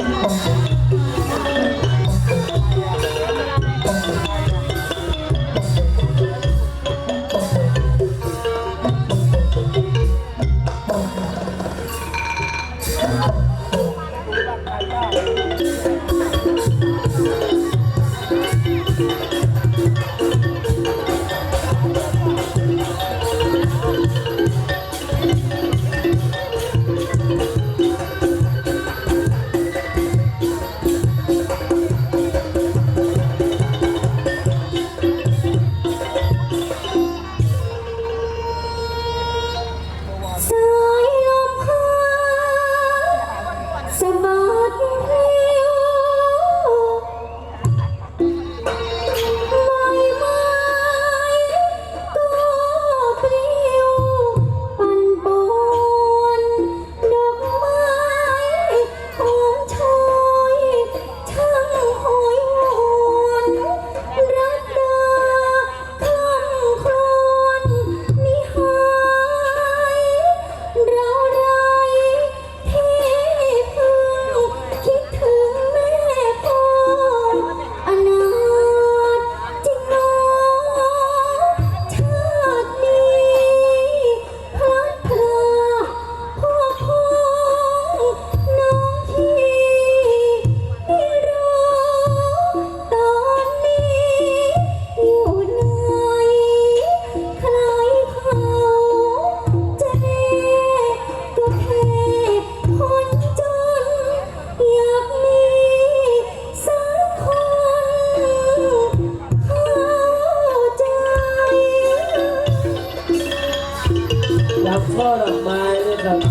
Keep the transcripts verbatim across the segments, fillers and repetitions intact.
ช่อดอกไม้นะครับ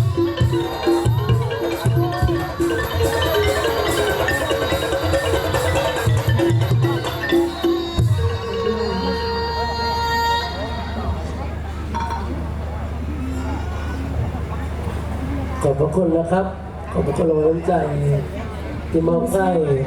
ขอบพระคุณนะครับขอบพระคุณรางวัลน้ำใจที่มอบให้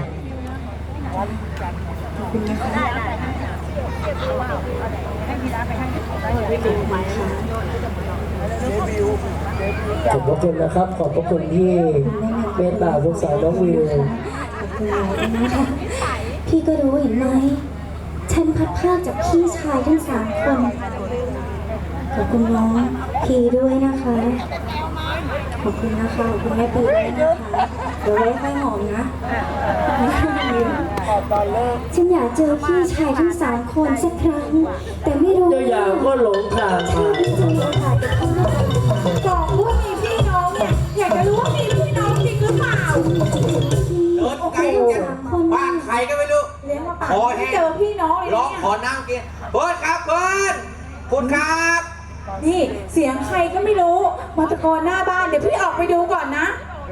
ขอบพระคุณนะครับขอบพระคุณที่เมตตาสงสารน้องวิวขอบคุณนะคะพี่ก็รู้เห็นไหมฉันพัดพรากจากพี่ชายทั้งสามคนขอบคุณน้องพีด้วยนะคะขอบคุณนะคะขอบคุณแม่ปีด้วยนะคะเดี๋ยวไว้ค่อยหอมนะฉันอยากเจอพี่ชายทั้งสามคนสักครั้งแต่ไม่รู้เจ้าอย่างก็หลงทางมาบอกว่ามีพี่น้องเนี่ยอยากจะรู้ว่ามีพี่น้องจริงหรือเปล่าเดินไกลกันบ้านใครก็ไม่รู้เลี้ยงมาป่าไม่เจอพี่น้องเลยร้องขอน้ำกินเบิร์ดครับเบิร์ดคุณครับนี่เสียงใครก็ไม่รู้มาตะโกนหน้าบ้านเดี๋ยวพี่ออกไปดูก่อนนะ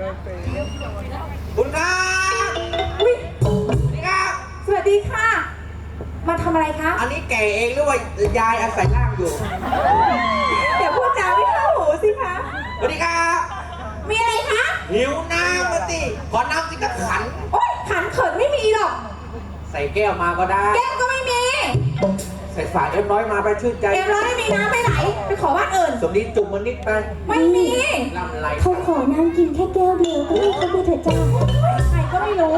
คุณครับอุ้ยนี่ครับสวัสดีค่ะมาทำอะไรคะอันนี้แก่เองหรือว่ายายอาศัยร่างอยู่เดี๋ยวพูดจาไม่เข้าหูสิคะสวัสดีครับมีอะไรคะหิวน้ำมาสิขอน้ำสิกระขันโอ๊ยขันเขินไม่มีหรอกใส่แก้วมาก็ได้แก้วก็ไม่มีใส่ฝาเอ็มร้อยมาไปชื่นใจเอ็มร้อยไม่มีน้ำไปไหนไปขอบ้านอื่นสมนี้จุ่มมันนิดไปไม่มีลำไรเขาขอน้ำกินแค่แก้วเดียวก็ให้เขาไปเถอะจ้าใครก็ไม่รู้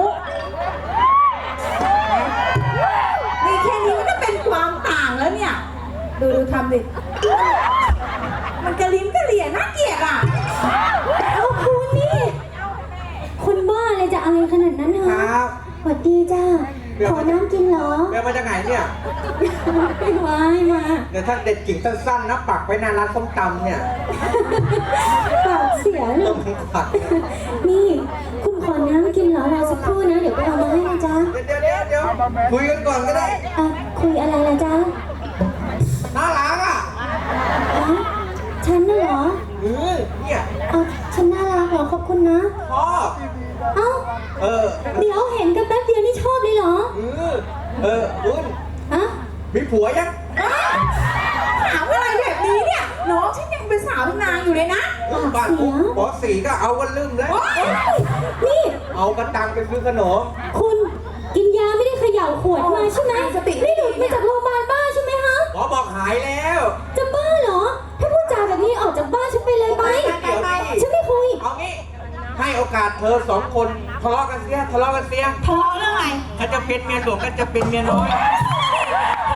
มีแค่นี้มันก็เป็นความต่างแล้วเนี่ยดูดูทำดิมันกระลิ้นกระเหลี่ยน่าเกลียดอ่ะเอาคุณนี่คนบ้าอะไรจะอะไรขนาดนั้นฮะสวัสดีจ้าขอน้ำกินเหรอเบลมาจากไหนเนี่ยไม่ไหวมาเดี๋ยวถ้าเด็ดกิ่งสั้นๆนะปักไว้หน้าร้านส้มตำเนี่ยปากเสียเลยนี่คุณขอน้ำกินเหรอรอสักครู่นะเดี๋ยวไปเอามาให้นะจ๊ะเดี๋ยวเดี๋ยวเดี๋ยวคุยกันก่อนก็ได้อ่ะคุยอะไรนะจ๊ะน่ารักอ่ะฉันน่ะเหรอเออเนี่ยอ่ะฉันน่ารักเหรอขอบคุณนะชอบเอ้าเออเดี๋ยวเห็นกันแป๊บเดียวนี่ชอบเลยเหรอเออเออคุณอะมีผัวยังถามอะไรแบบนี้เนี่ยน้องฉันยังเป็นสาวนาอยู่เลยนะบ้านปอสีก็เอากันลืมเลยนี่เอากระตังไปซื้อขนมคุณกินยาไม่ได้เขย่าขวดมาใช่ไหมสติไม่หลุดมาจากโรงพยาบาลบ้าใช่ไหมฮะหมอบอกหายแล้วจะบ้าเหรอถ้าพูดจาแบบนี้ออกจากบ้านฉันไปเลยไปฉันไม่คุยเอางี้ให้โอกาสเธอสองคนทะเลาะกันเสียทะเลาะกันเสียทะเลาะเรื่องอะไรเขาจะเป็นเมียหลวงก็จะเป็นเมียน้อยท